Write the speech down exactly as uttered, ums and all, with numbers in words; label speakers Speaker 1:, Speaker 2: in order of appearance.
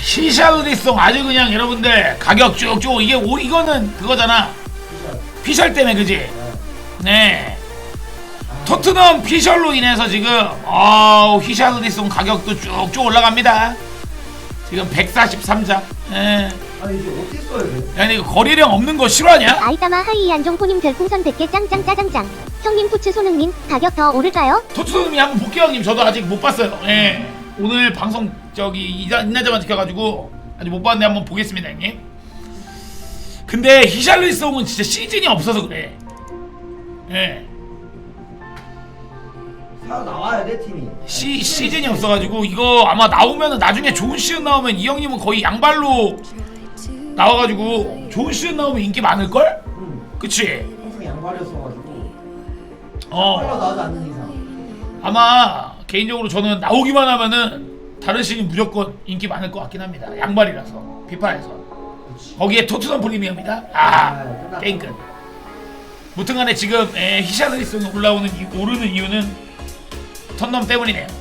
Speaker 1: 히샬리송 아주 그냥 여러분들 가격 쭉쭉 이게 오, 이거는 그거잖아. 피셜 때문에 그지? 네. 토트넘 피셜로 인해서 지금 어우 히샬리송 가격도 쭉쭉 올라갑니다. 지금 백사십삼 장. 예.
Speaker 2: 아니 이제 어떻게 써야 돼?
Speaker 1: 야, 이거 거래량 없는 거 싫어하냐?
Speaker 3: 아이따마 하이 안종포님 별풍선 백 개 짱짱 짜장짱. 형님 푸츠 손흥민 가격 더 오를까요?
Speaker 1: 토트넘이 한번 볼게요 형님. 저도 아직 못 봤어요. 예. 오늘 방송 저기 이자 인나자만 지켜가지고 아직 못 봤는데 한번 보겠습니다 형님. 근데 히샬리송은 진짜 시즌이 없어서 그래. 예.
Speaker 2: 사 나와야 돼 팀이.
Speaker 1: 시, 시즌이 없어가지고 이거 아마 나오면은 나중에 좋은 시즌 나오면 이 형님은 거의 양발로 나와가지고 좋은 시즌 나오면 인기 많을걸?
Speaker 2: 응.
Speaker 1: 그치?
Speaker 2: 항상 양발이었어가지고.
Speaker 1: 어
Speaker 2: 빨라 나오지 않는 이상.
Speaker 1: 아마 개인적으로 저는 나오기만 하면은 다른 시즌 무조건 인기 많을 것 같긴 합니다. 양발이라서 피파에서 거기에 토트넘 프리미엄이다? 아 게임 끝. 무튼간에 지금 히샬리송이 올라오는 이, 오르는 이유는 턴넘 때문이네요.